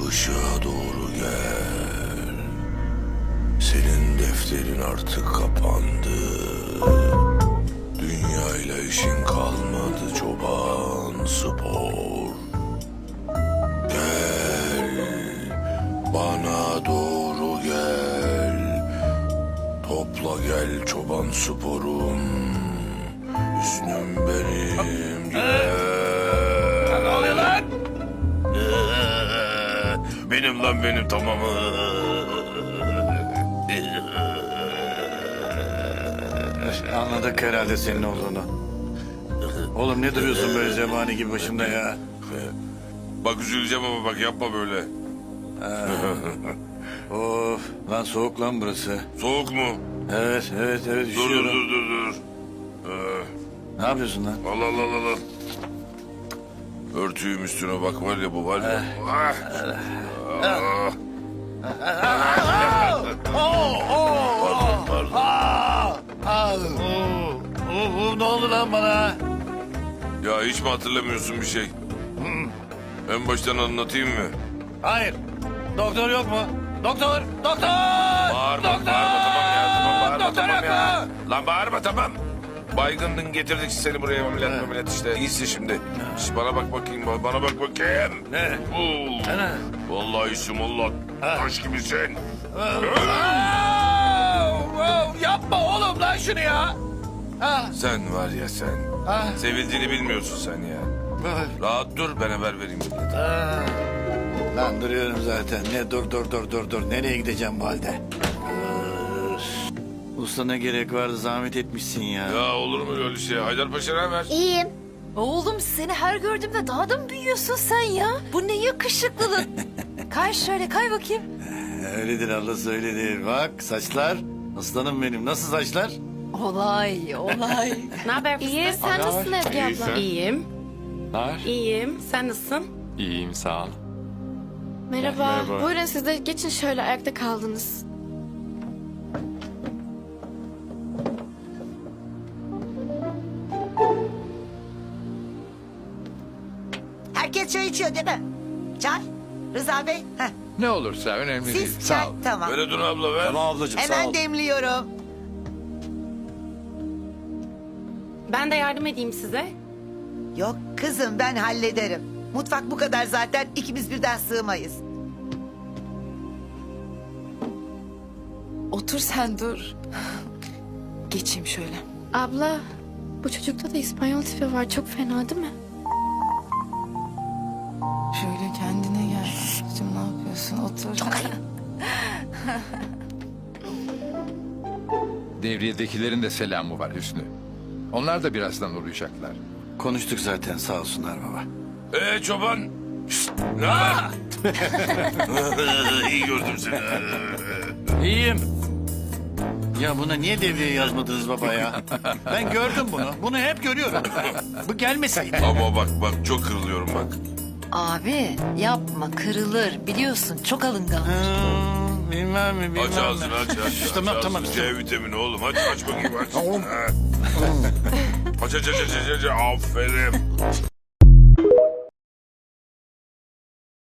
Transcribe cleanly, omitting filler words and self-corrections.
Işığa doğru gel. Senin defterin artık kapandı. Dünyayla işin kalmadı çoban spor. Gel, bana doğru gel. Topla gel çoban sporum. Hüsnüm benim gel. Ne oluyor lan? Benim lan benim tamamı. Anladık herhalde senin olduğunu. Oğlum ne duruyorsun böyle zebani gibi başımda ya? Bak üzüleceğim ama bak yapma böyle. Of lan soğuk lan burası. Soğuk mu? Evet Dur üşüyorum. dur. Ne yapıyorsun lan? Allah Allah Allah Allah. Örtüyüm üstüne bak var ya bu var ya. Ah. Ne oldu lan bana? Ya hiç mi hatırlamıyorsun bir şey? En baştan anlatayım mı? Hayır. Doktor yok mu? Doktor! Doktor! Bağırma, Doktor! bağırma tamam ya. Tamam, bağırma Doktor tamam yok ya. mu? Lan bağırma tamam. Baygındın getirdik seni buraya ameliyat işte. İyisin şimdi. Şş, bana bak bakayım bana bak bakayım. Ne? Oo. Ana. Vallahi iyisin valla. Taş gibisin. Yapma oğlum lan şunu ya. Sen var ya sen. Sevildiğini bilmiyorsun sen ya. Rahat dur ben haber vereyim. Lan duruyorum zaten. Ne dur. Nereye gideceğim bu halde? Usta ne gerek vardı zahmet etmişsin ya. Ya olur mu öyle şey? Haydarpaşa ne haber? İyiyim. Oğlum seni her gördüğümde daha da mı büyüyorsun sen ya? Bu ne yakışıklılık. Kay şöyle kay bakayım. Öyledir ablası öyledir. Bak saçlar. Aslanım benim. Nasıl saçlar? Olay. Ne haber fıstık? İyi. Sen nasılsın Ezgi abla? İyiyim. Var. İyiyim. Sen nasılsın? İyiyim sağ ol. Merhaba. Merhaba. Buyurun siz de geçin şöyle ayakta kaldınız. Herkes çay içiyor değil mi? Çay. Rıza Bey. Heh. Ne olursa önemli değil. Siz Sağ çay. ol. Tamam. Böyle dur abla ver. Tamam ablacığım sağ Hemen ol. demliyorum. Ben de yardım edeyim size. Yok kızım ben hallederim. Mutfak bu kadar zaten ikimiz birden sığmayız. Otur sen dur. Geçeyim şöyle. Abla bu çocukta da İspanyol tipi var. Çok fena değil mi? Şöyle kendine gel. Kızım ne yapıyorsun? Otur. Çok Devriyedekilerin de selamı var Hüsnü. Onlar da birazdan uğrayacaklar. Konuştuk zaten sağ olsunlar baba. Çoban. Şşt, ne haber? İyi gördüm seni. İyiyim. Ya buna niye devriye yazmadınız baba ya? Ben gördüm bunu. Bunu hep görüyorum. Bu gelmeseydi. Ama bak çok kırılıyorum bak. Abi yapma kırılır. Biliyorsun çok alıngan. Bilmem mi. Aç ağzını aç. Tamam, Aç tamam, ağzını. tamam. C vitamini oğlum aç bakayım aç. Aç. Aç. Aferin.